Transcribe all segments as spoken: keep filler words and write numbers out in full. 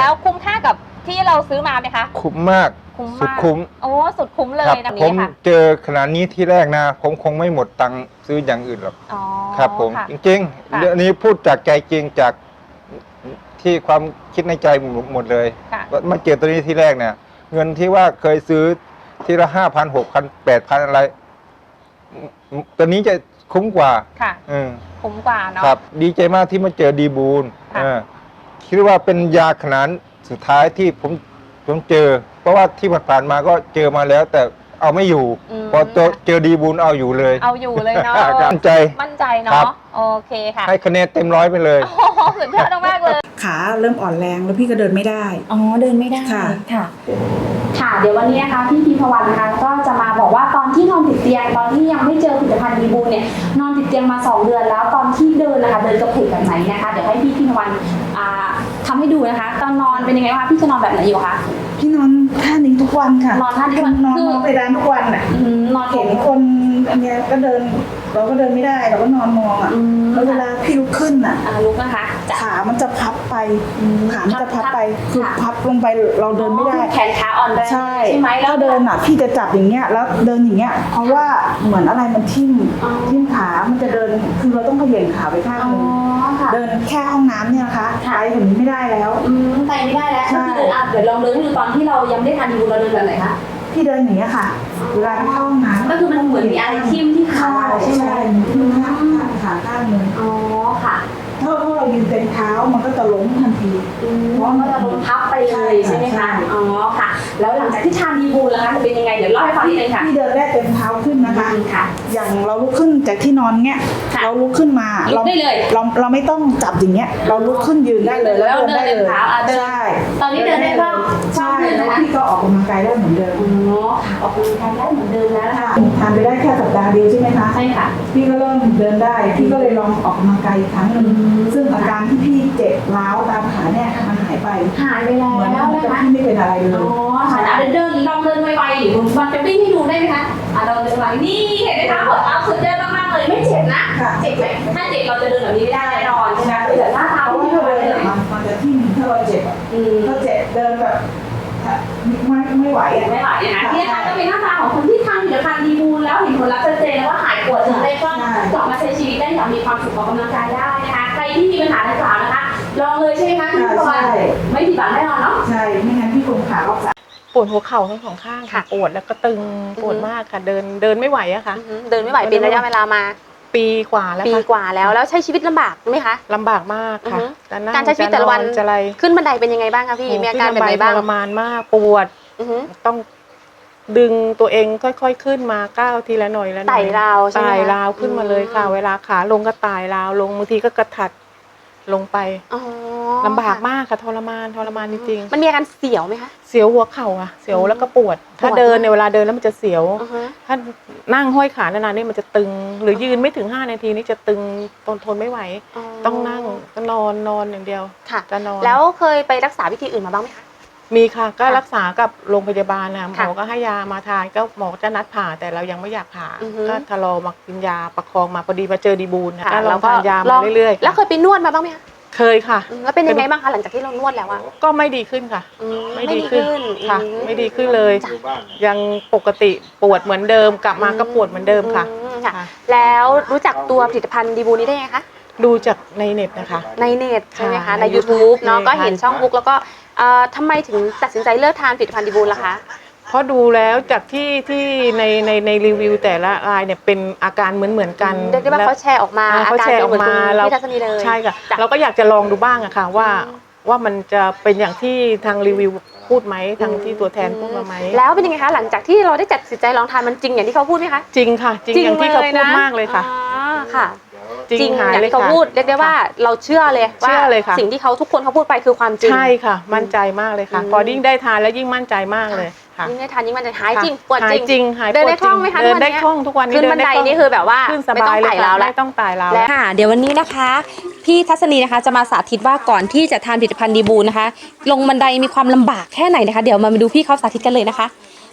แล้วคุ้มค่ากับที่เราซื้อมาไหมคะคุ้มมากสุดคุ้มโอ้สุดคุ้มเลยแบบผมนี้ค่ะเจอขนาดนี้ที่แรกนะผมคงไม่หมดตังค์ซื้ออย่างอื่นหรอกครับผมจริงๆเรื่องนี้พูดจากใจจริงจากที่ความคิดในใจหมดเลยมาเจอตัวนี้ที่แรกเนี่ยเงินที่ว่าเคยซื้อทีละห้าพันหกพันแปดพันอะไรตัวนี้จะคุ้มกว่าค่ะคุ้มกว่าเนาะครับดีใจมากที่มาเจอดีบูลคิดว่าเป็นยาขนาดสุดท้ายที่ผมผมเจอเพราะว่าที่ผ่านมาก็เจอมาแล้วแต่เอาไม่อยู่พอเจอดีบูลเอาอยู่เลยเอาอยู่เลยเนาะมั่นใจมั่นใจเนาะโอเคค่ะให้คะแนนเต็มร้อยไปเลยโอ้สุดยอดมากเลยขาเริ่มอ่อนแรงแล้วพี่ก็เดินไม่ได้อ๋อเดินไม่ได้ค่ะค่ะค่ะเดี๋ยววันนี้นะคะพี่พีพวันนะคะก็จะมาบอกว่าตอนที่นอนติดเตียงตอนที่ยังไม่เจอผลิตภัณฑ์ดีบูลเนี่ยนอนติดเตียงมาสองเดือนแล้วตอนที่เดินนะคะเดินกระเพกแบบไหนนะคะเดี๋ยวให้พี่พีพวันทำให้ดูนะคะตอนนอนเป็นยังไงคะพี่จะนอนแบบไหนอยู่คะพี่นอนท่านี้ทุกวันค่ะนอนท่านี้นอนนอนไปร้านทุกวันอ่ะนอนเห็นคนอันเนี้ยก็เดินเราก็เดินไม่ได้เราก็นอนมองอ่ะแล้วเวลาพี่ลุกขึ้นอ่ะลุกนะคะขามันจะพับไปขามันจะพับไปคือพับลงไปเราเดินไม่ได้แขนขาอ่อนแรงใช่ไหมแล้วเดินอ่ะพี่จะจับอย่างเงี้ยแล้วเดินอย่างเงี้ยเพราะว่าเหมือนอะไรมันทิ่มทิ่มขามันจะเดินคือเราต้องเขย่งขาไปข้างนึงเดินแค่ห้องน้ำเนี่ยนะคะไปถึงไม่ได้แล้วไปไม่ได้แล้วก็คือเดินอ่ะเดี๋ยวลองเดินดูตอนที่เรายังไม่ทานดีบูลเราเดินแบบไหนคะพี่เดินอย่างเงี้ยค่ะเวลาไปเข้าห้องน้ำก็คือมันเหมือนมีอะไรทิ่มที่ขาใช่ไหมทิ่มขาขาข้างนึงอ๋อค่ะถ้าถ้าเรายืนเต็มเท้ามันก็จะล้มทันทีเพราะมันจะล้มพับไปเลยใช่ไหมคะอ๋อค่ะแล้วหลังจากที่ทานดีบูลแล้วคะจะเป็นยังไงเดี๋ยวเล่าให้ฟังนิดนึงค่ะพี่เดินได้เต็มเท้าขึ้นนะคะค่ะอย่างเราลุกขึ้นจากที่นอนเงี้ยเราลุกขึ้นมาเราได้เลยเราเราไม่ต้องจับอย่างเงี้ยเราลุกขึ้นยืนได้เลยแล้วเดินได้เลยใช่ตอนนี้เดินได้บ้างใช่แล้วพี่ก็ออกกำลังกายได้เหมือนเดิมอ๋อออกกำลังกายได้เหมือนเดิมแล้วนะคะทานไปได้แค่สัปดาห์เดียวใช่ไหมคะใช่ค่ะพี่ก็เริ่มเดินได้พี่ก็เลยลองออกกำลังกายอีกครั้งหนึ่งซึ่งอาการที่พี่เจ็บร้าวตามขาเนี่ยมันหายไปหายไปแล้วนะคะพี่ไม่เป็นอะไรเลยอ๋อค่ะเดินเดินลองเดินไวๆหรือมันจะวิ่งให้ดูได้ไหมคะอ่ะเราเดินไวนี่เห็นไหมคะหัวเท้าสุดยอดมากๆเลยไม่เจ็บนะเจ็บไหมถ้าเจ็บเราจะเดินแบบนี้ไม่ได้แน่นอนใช่ไหมแต่หน้าเท้าที่เราเดินมันจะที่ถ้าเราเจ็บอ่ะถ้าเจ็บเดินแบบไม่ไม่ไหวอ่ะไม่ไหวนะที่นะคะก็เป็นหน้าตาของคนที่ทานผลิตภัณฑ์ดีบูลแล้วเห็นผลลัพธ์ชัดเจนแล้วว่าหายปวดถึงได้ก็กลับมาใช้ชีวิตได้อย่างมีความสุขออกกำลังกายได้นะคะใครที่มีปัญหาดังกล่าวนะคะลองเลยใช่ไหมคะพี่พวันไม่ผิดหวังแน่นอนเนาะใช่ไม่งั้นพี่คงขาออกปวดหัวเข่าทั้งสองข้างค่ะปวดแล้วก็ตึงปวดมากค่ะเดินเดินไม่ไหวอะค่ะเดินไม่ไหวเป็นระยะเวลามาปีกว่าแล้วปีกว่าแล้วแล้วใช้ชีวิตลำบากไหมคะลำบากมากค่ะการใช้ชีวิตแต่ละวันขึ้นบันไดเป็นยังไงบ้างคะพี่มีอาการแบบไหนบ้างทรมานมากปวดต้องดึงตัวเองค่อยๆขึ้นมาก้าวทีละหน่อยละหน่อยไต่ราวใช่ไหมไต่ราวขึ้นมาเลยค่ะเวลาขาลงก็ไต่ราวลงบางทีก็กระถัดลงไปลำบากมากค่ะทรมานทรมานจริงๆมันมีอาการเสียวไหมคะเสียวหัวเข่าอะเสียวแล้วก็ปวดถ้าเดินในเวลาเดินแล้วมันจะเสียวถ้านั่งห้อยขานานๆนี่มันจะตึงหรือยืนไม่ถึงห้านาทีนี่จะตึงทนทนไม่ไหวต้องนั่งก็นอนนอนอย่างเดียวจะนอนแล้วเคยไปรักษาวิธีอื่นมาบ้างไหมคะมีค่ะก็รักษากับโรงพยาบาลนะหมอก็ให้ยามาทานก็หมอจะนัดผ่าแต่เรายังไม่อยากผ่าก็ทะลอมากินยาประคองมาพอดีมาเจอดีบูลนะเราทานยามาเรื่อยๆแล้วเคยไปนวดมาบ้างไหมคะเคยค่ะแล้วเป็นยังไงบ้างคะหลังจากที่เรานวดแล้วอะก็ไม่ดีขึ้นค่ะไม่ดีขึ้นค่ะไม่ดีขึ้นเลยยังปกติปวดเหมือนเดิมกลับมาก็ปวดเหมือนเดิมค่ะแล้วรู้จักตัวผลิตภัณฑ์ดีบูลนี้ได้ไงคะดูจากในเน็ตนะคะในเน็ตใช่ไหมคะใน ยูทูบ เนาะก็เห็นช่องบุ๊กแล้วก็ทำไมถึงตัดสินใจเลิกทานผลิตภัณฑ์ดีบูลล่ะคะเพราะดูแล้วจากที่ที่ในในในรีวิวแต่ละรายเนี่ยเป็นอาการเหมือนเหมือนกันเรียกได้ว่าเขาแชร์ออกมาเขาแชร์ออกมาเราใช่ค่ะเราก็อยากจะลองดูบ้างอะค่ะว่าว่ามันจะเป็นอย่างที่ทางรีวิวพูดไหมทางที่ตัวแทนพูดมาไหมแล้วเป็นยังไงคะหลังจากที่เราได้จัดสินใจลองทานมันจริงอย่างที่เขาพูดไหมคะจริงค่ะจริงอย่างที่เขาพูดมากเลยค่ะค่ะจริงอย่างที่เขาพูดเรียกได้ว่าเราเชื่อเลยว่าสิ่งที่เขาทุกคนเขาพูดไปคือความจริงใช่ค่ะมั่นใจมากเลยค่ะพอยิ่งได้ทานแล้วยิ่งมั่นใจมากเลยยิ่งได้ทานยิ่งมันจะหายจริงปวดจริงเดินได้คล่องไหมคะเดินได้คล่องทุกวันนี้ขึ้นบันไดนี่คือแบบว่าขึ้นสบายเลยค่ะไม่ต้องไต่ราวแล้วค่ะเดี๋ยววันนี้นะคะพี่ทัศนีนะคะจะมาสาธิตว่าก่อนที่จะทานผลิตภัณฑ์ดีบูลนะคะลงบันไดมีความลำบากแค่ไหนนะคะเดี๋ยวมาดูพี่เขาสาธิตกันเลยนะคะ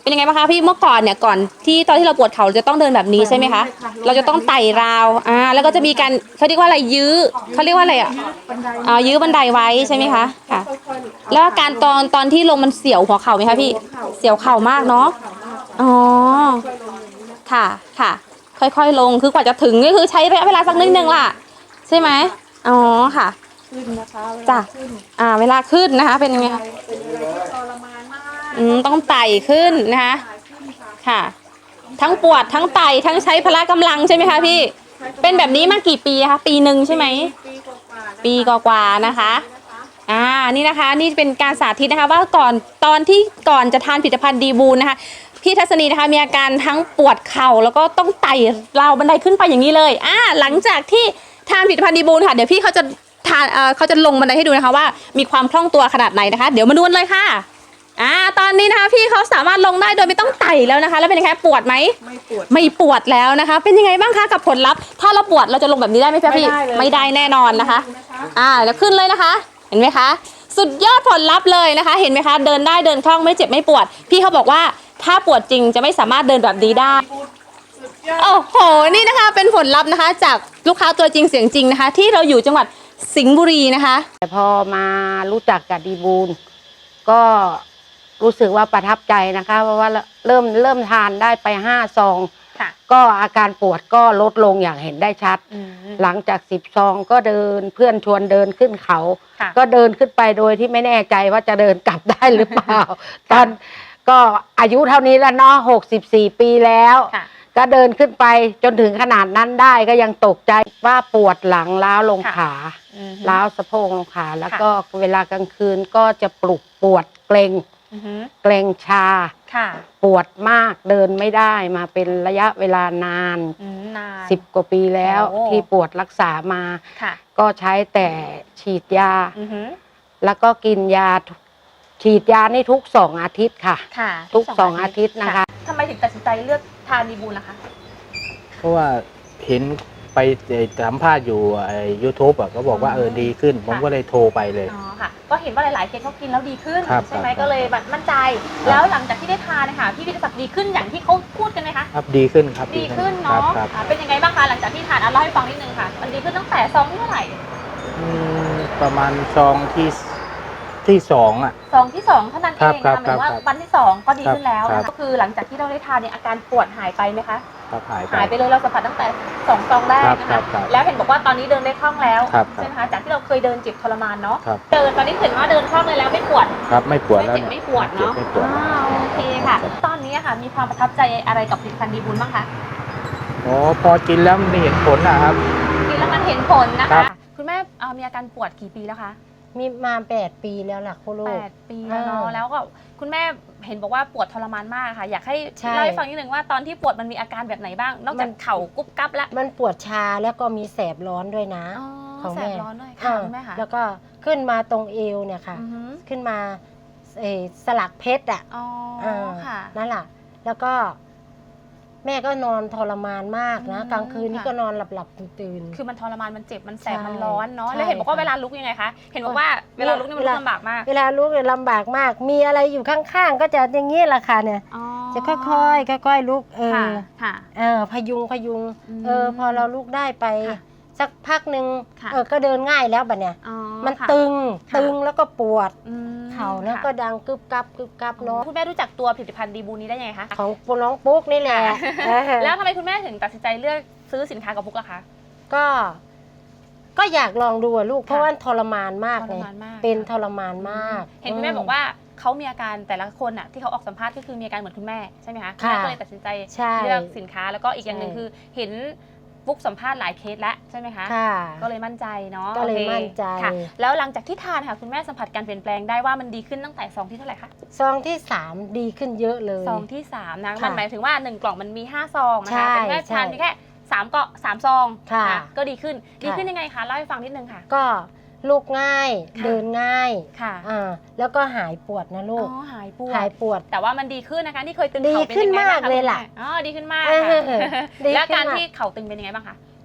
เป็นยังไงบ้างคะพี่เมื่อก่อนเนี่ยก่อนที่ตอนที่เราปวดเข่าเราจะต้องเดินแบบนี้ใช่ไหมคะเราจะต้องไต่ราวอ่าแล้วก็จะมีการเขาเรียกว่าอะไรยื้อเขาเรียกว่าอะไรอ่ะอ่ายื้อบันไดไว้ใช่ไหมคะค่ะ แล้วอาการตอนตอนที่ลงมันเสียวหัวเข่าไหมคะพี่เสียวเข่ามากเนาะอ๋อค่ะค่ะ ค่อยๆลงคือกว่าจะถึงก็คือใช้ระยะเวลาสักนิดนึงล่ะใช่ไหมอ๋อค่ะจ้ะอ่าเวลาขึ้นนะคะ เป็นยังไงคะอืมต้องไต่ขึ้นนะคะค่ะ ทั้งปวดทั้งไต่ทั้งใช้พละกำลังใช่ไหมคะพี่เป็นแบบนี้มากี่ปีคะปีหนึ่งใช่ไหมปีกว่าๆนะคะอ่านี่นะคะนี่เป็นการสาธิตนะคะว่าก่อนตอนที่ก่อนจะทานผลิตภัณฑ์ดีบูนนะคะพี่ทัศนีนะคะมีอาการทั้งปวดเข่าแล้วก็ต้องไต่ราวบันไดขึ้นไปอย่างนี้เลยอ่าหลังจากที่ทานผลิตภัณฑ์ดีบูนค่ะเดี๋ยวพี่เขาจะทานเอ่อเขาจะลงบันไดให้ดูนะคะว่ามีความคล่องตัวขนาดไหนนะคะเดี๋ยวมาดูกันเลยค่ะอ่าตอนนี้นะคะพี่เขาสามารถลงได้โดยไม่ต้องไต่แล้วนะคะแล้วเป็นยังไงปวดไหมไม่ปวดไม่ปวดแล้วนะคะ เป็นยังไงบ้างคะกับผลลัพธ์ถ้าเราปวดเราจะลงแบบนี้ได้ไหมพี่ไม่ได้แน่นอนนะคะอ่าแล้วขึ้นเลยนะคะเห็นไหมคะสุดยอดผลลัพธ์เลยนะคะ เห็นไหมคะเดินได้เดินคล่องไม่เจ็บไม่ปวดพี่เขาบอกว่าถ้าปวดจริงจะไม่สามารถเดินแบบนี้ได้โอ้โหนี่นะคะเป็นผลลัพธ์นะคะ จากลูกค้าตัวจริงเสียงจริงนะคะ ที่เราอยู่จังหวัดสิงห์บุรีนะคะแต่พอมารู้จักกับดีบูลก็รู้สึกว่าประทับใจนะคะเพราะว่าเริ่มเริ่มทานได้ไปห้าซองก็อาการปวดก็ลดลงอย่างเห็นได้ชัดหลังจากสิบซองก็เดินเพื่อนชวนเดินขึ้นเขาก็เดินขึ้นไปโดยที่ไม่แน่ใจว่าจะเดินกลับได้หรือเปล่า ตอนก็อายุเท่านี้แล้วเนาะหกสิบสี่ปีแล้วก็เดินขึ้นไปจนถึงขนาดนั้นได้ก็ยังตกใจว่าปวดหลังล้าวลงขาล้าวสะโพกลงขาแล้วก็เวลากลางคืนก็จะปลุกปวดเกร็งเกร็งชาปวดมากเดินไม่ได้มาเป็นระยะเวลานานสิบกว่าปีแล้วที่ปวดรักษามาก็ใช้แต่ฉีดยาแล้วก็กินยาฉีดยานี่ทุกสองอาทิตย์ค่ะทุกสองอาทิตย์นะคะทำไมถึงตัดสินใจเลือกทานดีบูลล่ะคะเพราะว่าเห็นไปสัมภาษณ์อยู่ไอ้ยูทูบอ่ะก็บอกว่าเออดีขึ้น ผมก็เลยโทรไปเลยอ๋อค่ะก็เห็นว่าหลายๆเคสเขากินแล้วดีขึ้นครับใช่ไหมครับก็เลยแบบมั่นใจ แล้วหลังจากที่ได้ทานนะคะพี่วิทยาศักดิ์ดีขึ้นอย่างที่เขาพูดกันไหมคะครับดีขึ้นครับดีขึ้นครัเนาะบครับอ่าเป็นยังไงบ้างคะหลังจากที่ทานอ่ะเล่าให้ฟังนิดนึงค่ะ มันดีขึ้นตั้งแต่ซองที่เท่าไหร่อืมประมาณซองที่ที่สองอ่ะซองที่สองเท่านั้นเองครันะบหมายถึงว่าครับวันที่สองก็ดีขึ้นแล้วครันะบก็คือหลังจากที่เราได้ทานเนี่ยอาการปวดหายไปไหมคะครับหายไปหายไปเลยเราสัมผัสตั้งแต่สองซองแรกนะครัคะบครับแล้วเห็นบอกว่าตอนนี้เดินได้คล่องแล้วครับใช่ไหมคะจากที่เราเคยเดินเจ็บทรมานเนาะครับเดินตอนนี้เห็นว่าเดินคล่องเลยแล้วไม่ปวดครับไม่ปวดไม่แล้วเจ็บเนี่ยไม่ปวดเนาะไม่ปวดอ่าโอเคค่ะ ตอนนี้อะค่ะมีความประทับใจอะไรกับผลิตภัณฑ์ดีบุญบ้างคะโอ้พอกินแล้วมันเห็นผลนะครับกินแล้วมันเห็นผลนะครัคะบคุณแม่เอ่อมีอาการปวดกี่ปีแล้วคะมีมาแปดปีแล้วล่ะคุณลูแปกดปีแล้วเนาะอ่าแล้วก็คุณแม่เห็นบอกว่าปวดทรมานมากค่ะ อยากให้ใช่เล่าให้ฟังนิดนึงว่าตอนที่ปวดมันมีอาการแบบไหนบ้าง นอกจากเข่ากุ๊บกั๊บแล้วมันปวดชาแล้วก็มีแสบร้อนด้วยนะอ๋อของแสแม่บร้อนด้วยค่ะอ่าคุณแม่ค่ะแล้วก็ขึ้นมาตรงเอวเนี่ยค่ะอือฮึขึ้นมาเอ่อสลักเพชรอ่ะอ๋ออ่าค่ะนั่นแหละแล้วก็แม่ก็นอนทรมานมากนะอืมกลางคืนนี่ค่ะก็นอนหลับหลับๆตื่นคือมันทรมานมันเจ็บมันแสบใช่มันร้อนเนาะใช่แล้วเห็นบอกว่าค่ะเวลาลุกยังไงคะเห็นบอกว่าเวลาลุกนี่มันลุกลำบากมากเวลาลุกเนี่ยลำบากมาก มีอะไรอยู่ข้างๆ ก็จะอย่างนี้แหละค่ะเนี่ยอ๋อจะค่อยๆค่อยๆลุกเอค่ะอค่ะเออพยุงพยุงอืมเออพอเราลุกได้ไปค่ะสักพักหนึ่งค่ะเออก็เดินง่ายแล้วบัดเนี่ยอ๋อมันค่ะตึงค่ะตึงแล้วก็ปวดอืมเข่าแล้วค่ะก็ดังกึบกับกึบกับเนาะคุณแม่รู้จักตัวผลิตภัณฑ์ดีบูนี้ได้ยังไงคะของน้องปุ๊กนี่แหละเออแล้วทำไมคุณแม่ถึงตัดสินใจเลือกซื้อสินค้ากับพุกล่ะคะก็ ก็อยากลองดูอะลูก เพราะค่ะว่าทรมานมากทเลรยมานมากเป็นทรมานมากเห็นคุณแม่บอกว่าเขามีอาการแต่ละคนอ่ะที่เขาออกสัมภาษณ์ก็คือมีอาการเหมือนคุณแม่ใช่ไหมคะค่ะแม่ก็เลยตัดสินใจใช่เลือกสินค้าแล้วก็อีกอย่างหนึ่งใช่คือเห็นฟุกสัมภาษณ์หลายเคสแล้วใช่ไหมคะค่ะก็เลยมั่นใจเนาะก็เลยโอคมั่นใจค่ะ แล้วหลังจากที่ทานค่ะคุณแม่สัมผัสการเปลี่ยนแปลงได้ว่ามันดีขึ้นตั้งแต่ซองที่เท่าไหร่คะซองที่สามดีขึ้นเยอะเลยซองที่สามนะค่ะมันหมายถึงว่าหนึ่งกล่องมันมีห้าซองนะใช่คะแต่คุณแม่ใช่ทานเพียงแค่สามเกาะสามซองค่ะนก็ดีขึ้นดีค่ะขึ้นยังไงคะเล่าให้ฟังนิดนึงค่ะก็ลุกง่ายค่ะเดินง่ายค่ะอ่าแล้วก็หายปวดนะอ๋ลูกอหายปวหายดปวดแต่ว่ามันดีขึ้นนะคะที่เคยตึงดีเข่าเป็นขึ้นยังไงบ้างมากคะเลยล่ะคุณแม่อ๋อดีขึ้นมากเออค่ะดีแล้วขึ้นการมากที่เข่าตึงเป็นยังไงบ้างคะ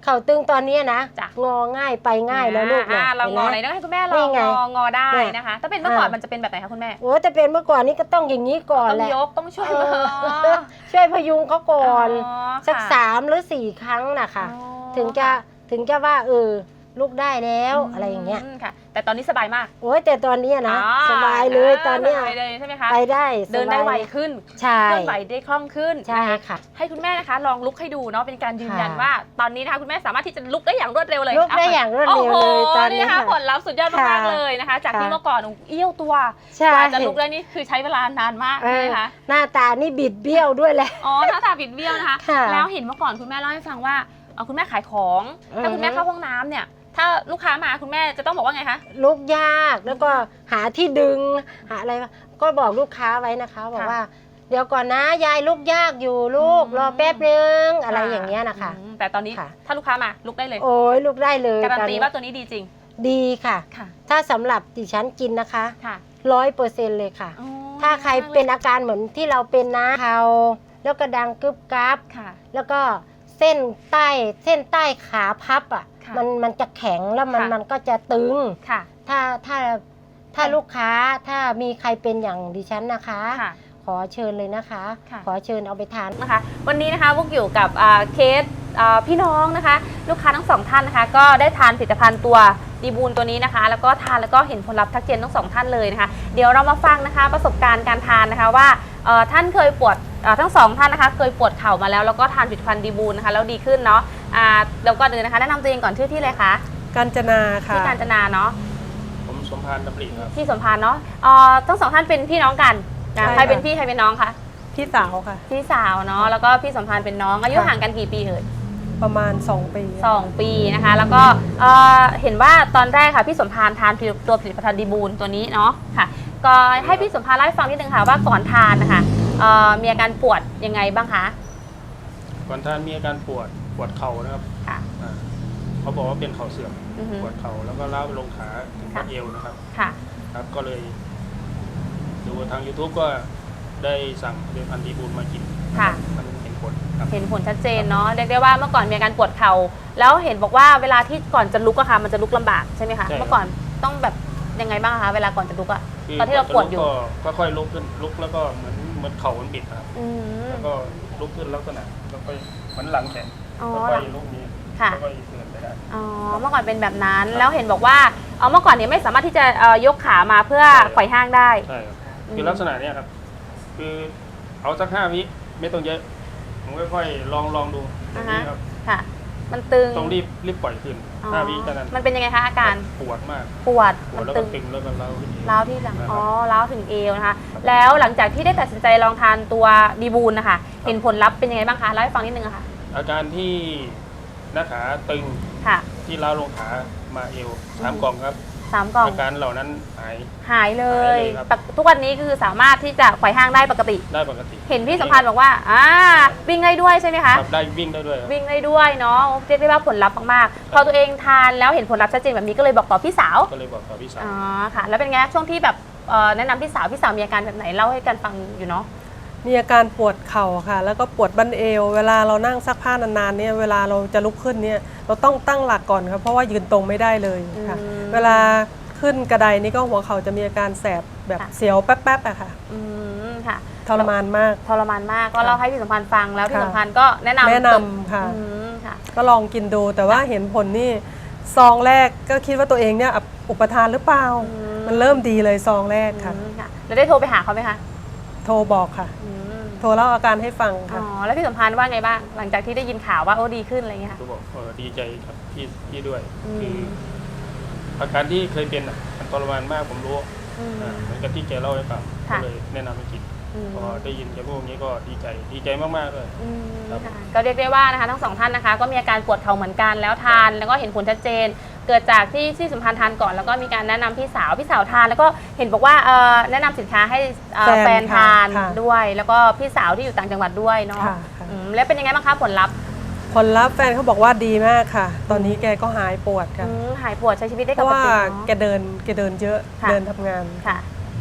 เข่าตึงตอนนี้นะจ้ะงอง่ายไปง่ายแล้วลูกอ่านะเรางอไหนห็นต้ไหอมให้คุณแม่ลนี่องไงงองอได้เนี่ยนะคะ ถ้าเป็นเมื่อก่อนอ่ามัมันจะเป็นแบบไหนคะคุณแม่โอ้แต่เป็นเมื่อก่อนนี่ก็ต้องอย่างนี้ก่อนต้องแหละยกต้องช่วยเอมาอช่วยพยุงเขาก่อนอ๋อสักค่ะสามหรือสี่ครั้งนะคะอ๋อถึงจะถึงจะว่าเออลูกได้แล้วอะไรอย่างเงี้ยมค่ะ แต่ตอนนี้สบายมากโอ้ยแต่ตอนเนี้ยนะอ๋อสบายเลยตอนเนี้ยสบายเลยใช่ไหมคะไปได้เดินได้สบายไวขึ้นใช่เคลื่อนไหวได้คล่องขึ้นใช่นะคะค่ะให้คุณแม่นะคะลองลุกให้ดูเนาะเป็นการยืนยันค่ะว่า ตอนนี้นะคะคุณแม่สามารถที่จะลุกได้อย่างรวดเร็วเลยลุกได้อย่างรวดเร็วเลยโอ้โหตอนนี้นี่นะคะค่ะผลลัพธ์สุดยอดมากค่ะๆเลยนะคะ จากที่ค่ะเมื่อก่อนเอี้ยวตัวใช่กว่าจะลุกได้นี่คือใช้เวลานานมากเอใช่ไหอมคะหน้าตานี่บิดเบี้ยวด้วยแหละอ๋อหน้าตาบิดเบี้ยวนะคะค่ะแล้วเห็นเมื่อก่อนคุณแม่เล่าให้ฟังว่าเอ่อคุณแม่ขายของ ถ้าคุณแม่เข้าห้องน้ำเนี่ย ถ้าลูกค้ามาคุณแม่จะต้องบอกว่าไงคะลุกยากแล้วก็หาที่ดึงหาอะไรก็บอกลูกค้าไว้นะคะบอกค่ะว่า เดี๋ยวก่อนนะยายลุกยากอยู่ลูกอืมรอแป๊บนึงอะไรอย่างเงี้ยนะคะอืมแต่ตอนนี้ค่ะถ้าลูกค้ามาลุกได้เลยโอ้ยลุกได้เลยการันตอนตีนี้ว่าตัวนี้ดีจริงดีค่ะค่ะถ้าสำหรับดิฉันกินนะคะค่ะร้อยเปอร์เซ็นต์เลยค่ะอ๋อถ้าใครเป็นอาการเหมือนที่เราเป็นนะเขาแล้วก็ดังกึบกับค่ะแล้วก็เส้นใต้เส้นใต้ขาพับอ่ะค่ะมันมันจะแข็งแล้วมันค่ะมันก็จะตึงค่ะถ้าถ้าถ้าค่ะลูกค้าถ้ามีใครเป็นอย่างดิฉันนะคะค่ะขอเชิญเลยนะคะค่ะขอเชิญเอาไปทานนะคะวันนี้นะคะพวกอยู่กับอ่าเคสอ่าพี่น้องนะคะ ลูกค้าทั้งสองท่านนะคะ ก็ได้ทานผลิตภัณฑ์ตัวดีบูลตัวนี้นะคะ แล้วก็ทานแล้วก็เห็นผลลัพธ์ทักเจนทั้งสองท่านเลยนะคะ เดี๋ยวเรามาฟังนะคะประสบการณ์การทานนะคะว่าเอ่อท่านเคยปวดเอ่อทั้งสองท่านนะคะ เคยปวดเข่ามาแล้วแล้วก็ทานผลิตภัณฑ์ดีบูลนะคะแล้วดีขึ้นเนาะอ่าเดี๋ยวก่อนอื่นนะคะแนะนำตัวเองก่อนชื่อที่เลยคะกาญจนาค่ะที่การจนาเนาะผมสมพานดำริครับที่สมพานเนาะเอ่อทั้งสองท่านเป็นพี่น้องกันนะใช่ใครเป็นค่ะพี่ใครเป็นน้องคะพี่สาวค่ะพี่สาวเนาะแล้วก็พี่สมพานเป็นน้องอายุค่ะห่างกันกี่ปีเอ่ยประมาณสองปีสองปีนะคะ แล้วก็เอ่อเห็นว่าตอนแรกค่ะพี่สมพานทานตัวผลิตภัณฑ์ดีบูลตัวนี้เนาะค่ะ ก็ให้พี่สมพานเล่าให้ฟังนิดนึงค่ะว่าก่อนทานนะคะเอ่อมีอาการปวดยังไงบ้างคะก่อนท่านมีอาการปวดปวดเข่านะครับค่ะอ่าเขาบอกว่าเป็นเข่าเสื่อมอือฮึปวดเข่าแล้วก็ล้าวไปลงขาถึงค่ะบัดเอวนะครับค่ะครับก็เลยดูทาง YouTube ก็ได้สั่งผลิตภัณฑ์ดีบูลมากินค่ะมันเห็นผลครับเห็นผลชัดเจนเนาะเรียกได้ว่าเมื่อก่อนมีอาการปวดเข่าแล้วเห็นบอกว่าเวลาที่ก่อนจะลุกอะค่ะมันจะลุกลำบากใช่ไหมคะใช่ครับเมื่อก่อนต้องแบบยังไงบ้างคะเวลาก่อนจะลุกอะคืตอนที่เราปวดอยู่ก็ก็ค่อยลุกขึ้นลุกแล้วก็เหมือนเหมือนเข่ามันบิดครับอืมแล้วก็ลุกขึ้นลักษณะแล้วก็เหมือนหลังแข็งอ๋อแล้วก็ลุกนี้ค่ะแล้วก็เดินไปได้อ๋อเมื่อก่อนเป็นแบบนั้นแล้วเห็นบอกว่าเอาเมื่อก่อนเนี่ยไม่สามารถที่จะเอ่อยกขามาเพื่อใช่ไขว่ห้างได้ใช่ครับอืมคือลักษณะเนี้ยครับ คือเอาสักห้าวิไม่ต้องเยอะผมค่อยๆลองลองดูอย่างนี้ครับค่ะ มันตึงต้องรีบรีบปล่อยขึ้นอ๋อห้าวิแค่นั้นมันเป็นยังไงคะอาการปวดมากปวดปวมัดนแล้วตึก็งตึงแล้วก็ร้าวขึ้นเองร้าวที่หลังนะครับอ๋อร้าวถึงเอวนะคะ แล้วหลังจากที่ได้ตัดสินใจลองทานตัวดีบูลนะคะ เห็นผลลัพธ์เป็นยังไงบ้างคะเล่าให้ฟังนิดนึงอะค่ะอาการที่หน้าขาตึงค่ะที่ร้าวลงขามาเอวสามกล่องครับสามกล่องอาการเหล่านั้นหายหายเลหาย ยเลยครับปกทุกวันนี้คือสามารถที่จะไขว่ห้างได้ปกติได้ปกติเห็นพี่สัมพันธ์บอกว่าอ่าวิ่งได้ด้วยใช่ไหมคะครับได้วิ่งได้ด้วยครับวิ่งได้ด้วยเนาะเรียกได้ว่าผลลัพธ์มากๆ พอตัวเองทานแล้วเห็นผลลัพธ์ชัดเจนแบบนี้ก็เลยบอกต่อพี่สาวก็เลยบอกกับพี่สาวอ๋อค่ะ แล้วเป็นไงช่วงที่แบบเอ่อแนะนำพี่สาวพี่สาวมีอาการแบบไหนเล่าให้กันฟังอยู่เนาะมีอาการปวดเข่าค่ะ แล้วก็ปวดบั้นเอว เวลาเรานั่งซักผ้านานๆเนี่ยเวลาเราจะลุกขึ้นเนี่ยเราต้องตั้งหลักก่อนครับเพราะว่ายืนตรงไม่ได้เลยค่ะอืมเวลาขึ้นกระไดนี่ก็หัวเข่าจะมีอาการแสบแบบค่ะเสียวแป๊บๆอะค่ะอืมค่ะทรมานมากทรมานมากก็เล่าให้พี่สัมพันธ์ฟังแล้วพี่ค่ะสัมพันธ์ก็แนะนำแนะนำค่ะอืมค่ะก็ลองกินดูแต่ว่าเห็นผลนี่ซองแรกก็คิดว่าตัวเองเนี่ยอุปทานหรือเปล่าอืมมันเริ่มดีเลยซองแรกค่ะอืมค่ะแล้วได้โทรไปหาเขาไหมคะโทรบอกค่ะอืมโทรเล่าอาการให้ฟังอ๋ค่ะอแล้วพี่สัมพันธ์ว่าไงบ้างหลังจากที่ได้ยินข่าวว่าโอ้ดีขึ้นอะไรเงี้ยค่ะก็บอกเออดีใจครับพี่พี่ด้วยอืมคืออาการที่เคยเป็นอ่ะมันทรมานมากผมรู้อืมอ่าเหมือนกับที่แกเล่าให้ฟังก็ค่ะเลยแนะนำให้กินอืมพอได้ยินแกพูดอย่างนี้ก็ดีใจดีใจมากๆเลยอืมครับค่ะก็เรียกได้ว่านะคะทั้งสองท่านนะคะ ก็มีอาการปวดเข่าเหมือนกันแล้วทานแล้วก็เห็นผลชัดเจน เกิดจากที่ที่สัมพันธ์ทานก่อนแล้วก็มีการแนะนำพี่สาวพี่สาวทาน แล้วก็เห็นบอกว่าเอ่อแนะนำสินค้าให้เอ่อแฟนแฟนทานค่ะด้วย แล้วก็พี่สาวที่อยู่ต่างจังหวัดด้วยเนาะค่ะค่ะอืมแล้วเป็นยังไงบ้างคะผลลัพธ์ผลลัพธ์แฟนเขาบอกว่าดีมากค่ะ ตอนนี้แกก็หายปวดค่ะอืมหายปวดใช้ชีวิตได้เพปราะกว่าติแกเนาะเดินแกเดินเยอะค่ะเดินทำงานค่ะ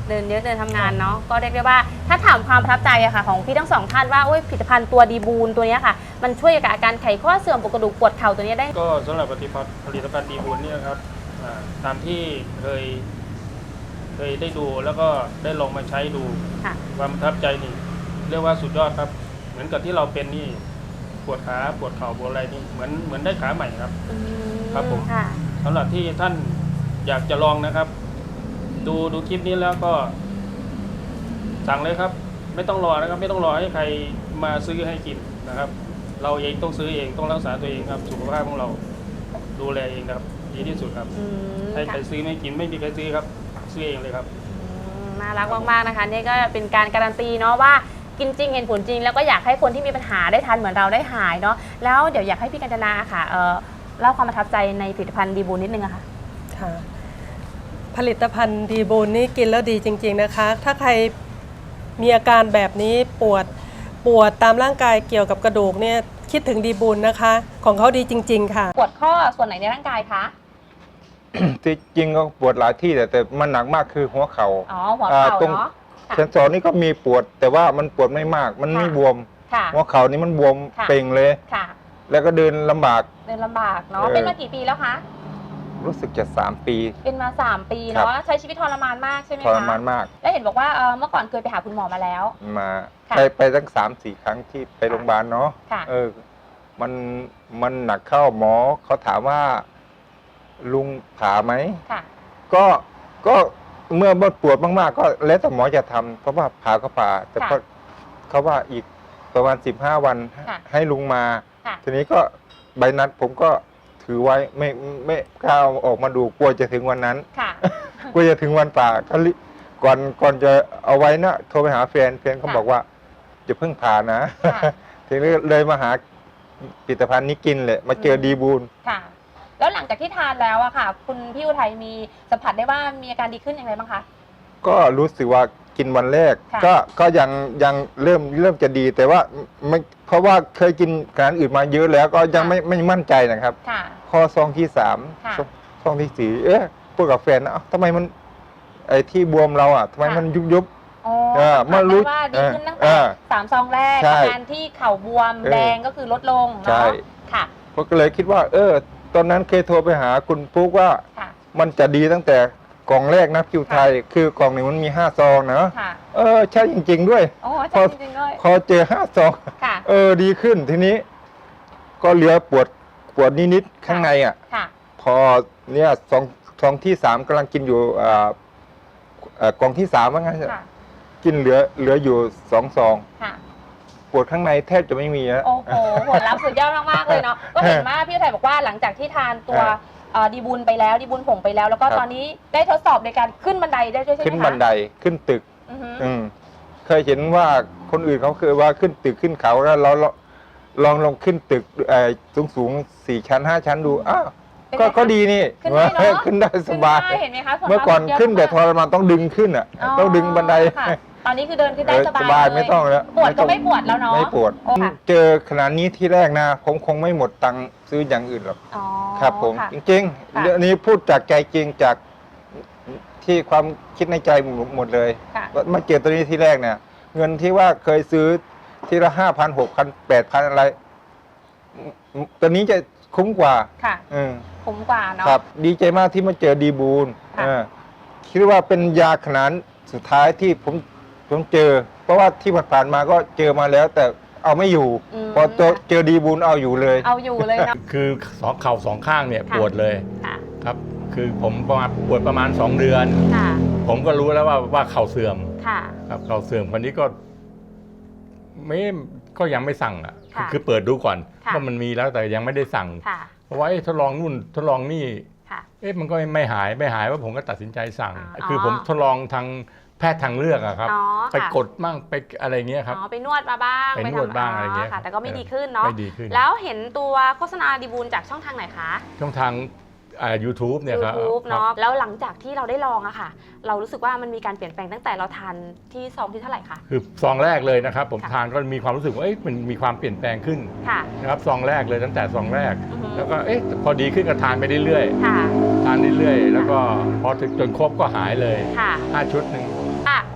เดินเยอะเดินทำงานเนาะก็เรียกได้ว่าถ้าถามความประทับใจอะค่ะของพี่ทั้งสองท่านว่าโอ้ยผลิตภัณฑ์ตัวดีบูนตัวเนี้ยค่ะมันช่วยกับอาการไขข้อเสื่อมปวดกระดูกปวดเข่าตัวเนี้ยได้ก็สำหรับผลิตภัณฑ์ผลิตภัณฑ์ดีบูนเนี่ยครับอ่าตามที่เคยเคยได้ดูแล้วก็ได้ลองมาใช้ดูค่ะความประทับใจนี่เรียกว่าสุดยอดครับ เหมือนกับที่เราเป็นนี่ปวดขาปวดเข่าปวดอะไรนี่เหมือนเหมือนได้ขาใหม่ครับอืมครับผมค่ะสำหรับที่ท่านอยากจะลองนะครับ ดูดูคลิปนี้แล้วก็สั่งเลยครับ ไม่ต้องรอนะครับ ไม่ต้องรอให้ใครมาซื้อให้กินนะครับ เราเองต้องซื้อเองต้องรักษาตัวเองครับ สุขภาพของเราดูแลเองครับดีที่สุดครับอืมให้ใครค่ะซื้อไม่กินไม่มีใครซื้อครับ ซื้อเองเลยครับอืมน่ารักมากๆนะคะนี่ก็เป็นการการันตีเนาะว่ากินจริงเห็นผลจริง แล้วก็อยากให้คนที่มีปัญหาได้ทานเหมือนเราได้หายเนาะแล้วเดี๋ยวอยากให้พี่กัญจนาค่ะเอ่อเล่าความประทับใจในผลิตภัณฑ์ดีบูนนิดนึงอะค่ะค่ะผลิตภัณฑ์ดีบูนนี่กินแล้วดีจริงๆนะคะ ถ้าใครมีอาการแบบนี้ปวดปวดตามร่างกายเกี่ยวกับกระดูกเนี่ยคิดถึงดีบูนนะคะ ของเขาดีจริงๆค่ะปวดข้อส่วนไหนในร่างกายคะที่จริงก็ปวดหลายที่แต่แต่มันหนักมากคือหัวเขาอ๋่าอหัวเข่าตรงเนาะค่ะเซนสอนนี่ก็มีปวด แต่ว่ามันปวดไม่มาก มันไม่ค่ะบวมค่ะหัวเข่านี่มันบวมค่ะเป่งเลยค่ะแล้วก็เดินลำบากเดินลำบากเนาะเออเป็นมากี่ปีแล้วคะรู้สึกจะสามปีเป็นมาสามปีครัเนาะบใช้ชีวิตทรมานมากใช่ไหมทคะรมานมากแล้วเห็นบอกว่าเอ่อเมื่อก่อนเคยไปหาคุณหมอมาแล้วมาค่ะไปไปตั้งสามสี่ครั้งที่ไปโรงพยาบาลเนาะค่ะเออ มันมันหนักเข้าหมอเขาถามว่า ลุงผ่าไหมค่ะก็ก็เมื่อปวดมากๆ ก็แล้วแต่หมอจะทำเพราะว่าผ่าก็ผ่า แต่ค่ะก็เขาว่าอีกประมาณสิบห้าวันค่ะให้ลุงมาค่ะทีนี้ก็ใบนัดผมก็ถือไว้ไม่ไม่กล้าเอาออกมาดูกลัวจะถึงวันนั้นค่ะกลัวจะถึงวันป่าก็รีก่อนก่อนจะเอาไว้นะโทรไปหาแฟนแฟนเขาค่ะบอกว่าจะเพิ่งผ่านะค่ะทีนี้เลยมาหาผลิตภัณฑ์นี้กินเลยมาเจอดีบูลค่ะ แล้วหลังจากที่ทานแล้วอะค่ะ คุณพี่อุทัยมีสัมผัสได้ว่ามีอาการดีขึ้นอย่างไรบ้างคะก็รู้สึกว่ากินวันแรกค่ะก็ก็ยังยังเริ่มเริ่มจะดีแต่ว่าไม่เพราะว่าเคยกินอาหารอื่นมาเยอะแล้วก็ยังไม่ไม่มั่นใจนะครับค่ะพอซองที่สามค่ะซองซองที่สี่เอ๊ะพูดกับแฟนนะเอ้าทำไมมันไอ้ที่บวมเราอ่ะทำไมค่ะมันยุบยุบอ๋อเออสัมผัสเมื่อรู้ได้ว่าดีขึ้นตั้งเอแต่อสามซองแรกใช่อาการที่เข่าบวมเออแดงก็คือลดลงใช่เนาะค่ะผมก็เลยคิดว่า เออ ตอนนั้นเคยโทรไปหาคุณปุ๊กว่าค่ะมันจะดีตั้งแต่กล่องแรกนะคิวไทย คือกล่องหนึ่งมันมีห้าซองนะค่ะเออใช่จริง ๆ ด้วยโอ้พอใช่จริงๆด้วยพอเจอห้าซองค่ะเออดีขึ้นทีนี้ ก็เหลือปวดปวดนิดๆข้างในอ่ะค่ะพอเนี่ยซองซองที่สามกำลังกินอยู่อ่าเอ่อกล่องที่สามว่างั้นค่ะกินเหลือเหลืออยู่สองซองค่ะปวดข้างในแทบจะไม่มีนะโอ้โหผลลัพธ์สุดยอดมากๆเลยเนาะ ก็เห็นว่าพี่อุทัยบอกว่าหลังจากที่ทานตัวเออเอ่อดีบุญไปแล้วดีบุญผงไปแล้ว แล้วก็ครับตอนนี้ได้ทดสอบในการขึ้นบันไดได้ด้วยใช่ไหมคะขึ้นบันไดขึ้นตึกอือฮึอืมเคยเห็นว่าคนอื่นเขาเคยว่าขึ้นตึกขึ้นเขาแล้วเราเราลองลองขึ้นตึกสูงสูงๆสี่ชั้นห้าชั้นดูอ้าวเป็นก็ไงคะก็ดีนี่ขึ้นได้เนอะขึ้นได้สบายขึ้นได้เห็นไหมคะส่วเมื่อก่อนมากขึ้นแต่ทเยรอะมานต้องดึงขึ้นอ่ะอ๋อต้องดึงบันไดค่ะตอนนี้คือเดินขึ้นได้เออสบายสบายเลยไม่ต้องแล้วปวดก็ต้องไม่ปวดแล้วเนาะไม่ปวดโอ้ค่ะเจอขนาดนี้ที่แรกนะผมคงไม่หมดตังค์ซื้ออย่างอื่นหรอกอ๋อครับผมค่ะจริงค่ะๆเรื่องนี้พูดจากใจจริงจากที่ความคิดในใจหมดเลยค่ะว่ามาเจอตัวนี้ที่แรกเนี่ย เงินที่ว่าเคยซื้อทีละห้าพันหกพันแปดพันอะไรตัวนี้จะคุ้มกว่าค่ะอืมคุ้มกว่าเนาะครับ ดีใจมากที่มาเจอดีบูลค่ะเออคิดว่าเป็นยาขนาดสุดท้ายที่ผมผมเจอ เพราะว่าที่ผ่านๆมาก็เจอมาแล้ว แต่เอาไม่อยู่มพอเจอเจอดีบูลเอาอยู่เลยเอาอยู่เลยเนาะคือสองเข่าสองข้างเนี่ยค่ะปวดเลยค่ะครับ คือผมประมาณปวดประมาณสองเดือนค่ะผมก็รู้แล้วว่าว่าเข่าเสื่อมค่ะครับเข่าเสื่อมคนนี้ก็ไม่ก็ยังไม่สั่งอ่ะค่ะคือเปิดดูก่อนค่ะว่ามันมีแล้วแต่ยังไม่ได้สั่งค่ะเพราะว่าเอ๊ะทดลองนู่นทดลองนี่ค่ะเอ๊ะมันก็ไม่หายไม่หายว่าผมก็ตัดสินใจสั่งอ๋อคือผมทดลองทางแพทย์ทางเลือกอะครับอ๋อไปค่ะกดมั่งไปอะไรเงี้ยครับอ๋อไปนวดมาบ้างไปนวดทำบ้างอะไรเงี้ยค่ะ แต่ก็ไม่เออดีขึ้นเนาะไม่ดีขึ้นแล้วเห็นตัวโฆษณาดีบูลจากช่องทางไหนคะช่องทางอ่า ยูทูบ เนี่ยครับ YouTube ครับเนาะแล้วหลังจากที่เราได้ลองอะค่ะ เรารู้สึกว่ามันมีการเปลี่ยนแปลงตั้งแต่เราทานที่ซองที่เท่าไหร่คะคือซองแรกเลยนะครับ ผมค่ะทานก็มีความรู้สึกว่าเอ๊ะมันมีความเปลี่ยนแปลงขึ้นค่ะนะครับซองแรกเลยตั้งแต่ซองแรกอือฮึแล้วก็เอ๊ะพอดีขึ้นก็ทานไปเรื่อยค่ะๆทานเรื่อยๆแล้วก็พอถึงจนครบก็หายเลยค่ะห้าชุดหนึ่ง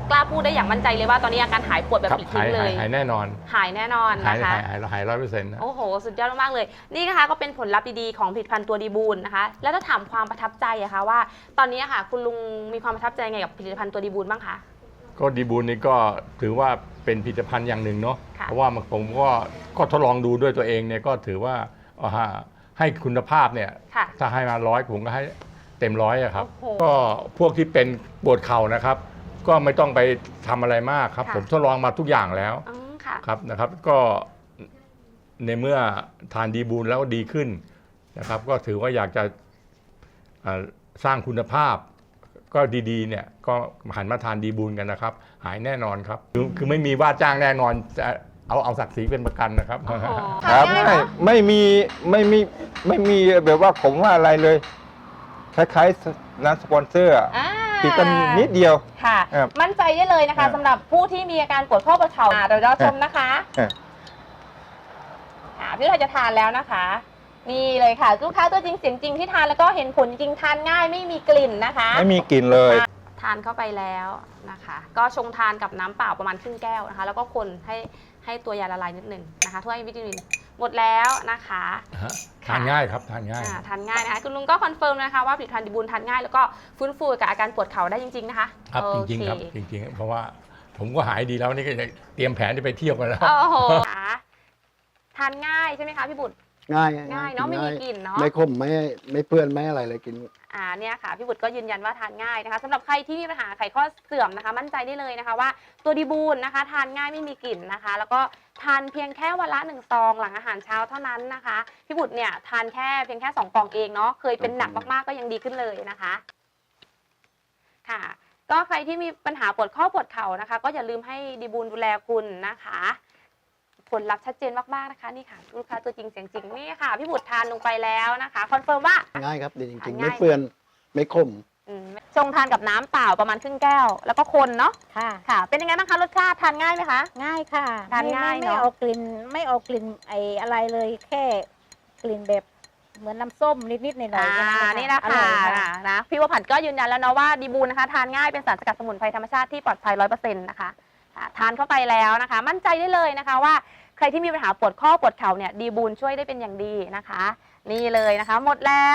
กล้าพูดได้อย่างมั่นใจเลยว่าตอนนี้อาการหายปวดแบบครับปลิดหาทิ้ยงเลหายยหายแน่นอนหายแน่นอนหายนะคะหายหายหายร้อยเปอร์เซ็นต์นะโอ้โห สุดยอดมากๆเลย นี่นะคะก็เป็นผลลัพธ์ดีๆของผลิตภัณฑ์ตัวดีบูลนะคะ แล้วถ้าถามความประทับใจอะคะว่า ตอนนี้อะค่ะคุณลุงมีความประทับใจไงกับผลิตภัณฑ์ตัวดีบูลบ้างคะก็ดีบูลนี่ก็ถือว่าเป็นผลิตภัณฑ์อย่างหนึ่งเนาะค่ะเพราะว่าผมก็ก็ทดลองดูด้วยตัวเองเนี่ยก็ถือว่าเอาฮะให้คุณภาพเนี่ยค่ะถ้าให้มาร้อยผมก็ให้เต็มร้อยอะครับโอ้โหก็พวกที่เป็นปวดเข่านะครับ ก็ไม่ต้องไปทำอะไรมากครับค่ะผมทดลองมาทุกอย่างแล้วอืมค่ะครับนะครับ ก็ในเมื่อทานดีบูลแล้วดีขึ้นนะครับ ก็ถือว่าอยากจะเอ่อสร้างคุณภาพ ก็ดีๆเนี่ยก็หันมาทานดีบูลกันนะครับ หายแน่นอนครับ คือคือไม่มีว่าจ้างแน่นอนจะเอาเอาศักดิ์ศรีเป็นประกันนะครับโอ้โหครับทานง่ายไม่เนอะไม่มีไม่มีไม่มีแบบว่าผมว่าอะไรเลย คล้ายๆน้ำสปอนเซอร์อะอ่าติดกันนิดเดียวค่ะครับมั่นใจได้เลยนะครัคะบสำหรับผู้ที่มีอาการปวดข้อปวดเข่าอ่าเดี๋ยวเราชมนะคะครับค่ะพี่เราจะทานแล้วนะคะ นี่เลยค่ะลูกค้าตัวจริงเสียงจริงที่ทานแล้วก็เห็นผลจริงทานง่ายไม่มีกลิ่นนะคะไม่มีกลิ่นเลยทานเข้าไปแล้วนะคะ ก็ชงทานกับน้ำเปล่าประมาณครึ่งแก้วนะคะ แล้วก็คนให้ให้ตัวยาละลายนิดหนึ่งนะคะถ้วยวิตามินหมดแล้วนะคะฮะทานง่ายครับทานง่ายอ่าทานง่ายนะคะคุณลุงก็คอนเฟิร์มนะคะว่าผลิตภัณฑ์ดีบูลทานง่ายแล้วก็ฟื้นฟูกับอาการปวดเข่าได้จริงๆนะคะครับโอจริงๆครับเคจริงๆ เพราะว่าผมก็หายดีแล้วนี่ก็จะเตรียมแผนจะไปเที่ยวกันแล้วโอ้โหค่ะทานง่ายใช่ไหมคะพี่บุตรง่ายง่ายเนอะไม่มีกลิ่นเนอะไม่ขมไม่ไม่เปื้อนไม่อะไรเลยกินอ่าเนี่ยค่ะพี่บุตรก็ยืนยันว่าทานง่ายนะคะสำหรับใครที่มีปัญหาไขข้อเสื่อมนะคะ มั่นใจได้เลยนะคะว่าตัวดีบูลนะคะ ทานง่ายไม่มีกลิ่นนะคะ แล้วก็ทานเพียงแค่วันละหนึ่งซองหลังอาหารเช้าเท่านั้นนะคะพี่บุตรเนี่ยทานแค่เพียงแค่สองกล่องเองเนาะเคยเป็นหนักมากๆก็ยังดีขึ้นเลยนะคะค่ะ ก็ใครที่มีปัญหาปวดข้อปวดเข่านะคะ ก็อย่าลืมให้ดีบูลดูแลคุณนะคะ ผลลัพธ์ชัดเจนมากๆนะคะนี่ค่ะลูกค้าตัวจริงเสียงจริงนี่ค่ะพี่บุตรทานลงไปแล้วนะคะคอนเฟิร์มว่าง่ายครับดีจริงๆง่ายไม่เปื้อนไม่ขมอืมชงทานกับน้ำเปล่าประมาณครึ่งแก้ว แล้วก็คนเนาะค่ะค่ะ เป็นยังไงบ้างคะรสชาติทานง่ายไหมคะง่ายค่ะทานง่ายไม่เนอะไม่เอากลิ่นไม่เอากลิ่นไออะไรเลยแค่กลิ่นแบบเหมือนน้ำส้มนิดๆหน่อยๆอ่าแค่นี่นะอร่คะอยค่ะนะพี่วผัดก็ยืนยันแล้วเนาะว่าดีบูลนะคะทานง่ายเป็นสารสกัดสมุนไพรธรรมชาติที่ปลอดภัยร้อยเปอร์เซ็นต์นะคะอ่าทานเข้าไปแล้วนะคะ มั่นใจได้เลยนะคะว่าใครที่มีปัญหาปวดข้อปวดเข่าเนี่ยดีบูลช่วยได้เป็นอย่างดีนะคะ นี่เลยนะคะ หมดแล้ว